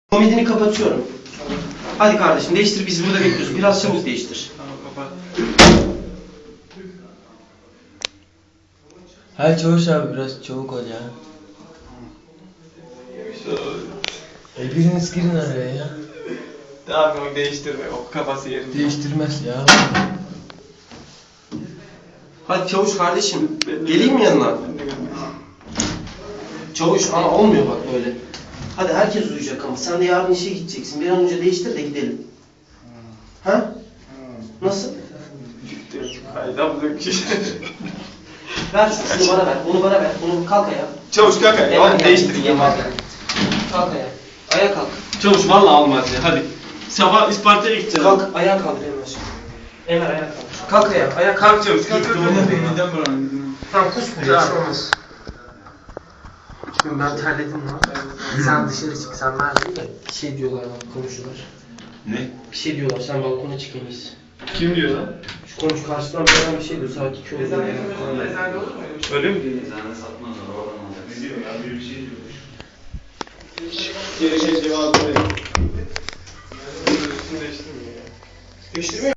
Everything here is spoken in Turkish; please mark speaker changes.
Speaker 1: Komedini kapatıyorum. Hadi kardeşim değiştir, biz burada bekliyoruz. Biraz çabuk değiştir.
Speaker 2: Tamam kapat.
Speaker 3: Hayır Çavuş abi biraz çabuk ol ya. Biriniz girin araya ya.
Speaker 2: Tamam o değiştirme. O kafası yerinde.
Speaker 3: Değiştirmez ya.
Speaker 1: Hadi Çavuş kardeşim, geleyim mi yanına? Çavuş ama olmuyor bak böyle. Hadi herkes uyuyacak ama sen de yarın işe gideceksin. Bir an önce değiştir de gidelim. Ha? Nasıl?
Speaker 2: Hayda bu da bir şey.
Speaker 1: Ver şunu bana ver, bunu bana ver. Bunu kalk ayağa.
Speaker 2: Çavuş kalk ayağa.
Speaker 1: Hemen
Speaker 2: Hadi değiştir.
Speaker 1: Yaman. Kalk ayağa. Ayağa kalk.
Speaker 2: Çavuş vallahi olmaz ya hadi. Sabah Isparta'ya gideceğiz.
Speaker 1: Kalk ayağa kaldır Emre. Emre ayağa kaldır. Kalk ayağa. Ayağa kalk.
Speaker 2: Kalk Çavuş kalk.
Speaker 4: Neden buranın?
Speaker 1: Tamam kusmuyor. Hiç olmaz. Çünkü ben terledim lan. Sen dışarı çık, sen verdin de bir şey diyorlar bana, komşular.
Speaker 2: Ne?
Speaker 1: Bir şey diyorlar, sen balkona çık en iyisi.
Speaker 2: Kim diyor lan?
Speaker 1: Şu komşu karşıdan bir adam bir şey diyor, saat 2 oldu.
Speaker 2: Öyle mi diyor?
Speaker 4: Ne diyor ya? Bir şey diyormuş.
Speaker 2: Gerekli cevabı verin. Üstünü değiştirmiyor ya.
Speaker 1: Değiştirmiyor.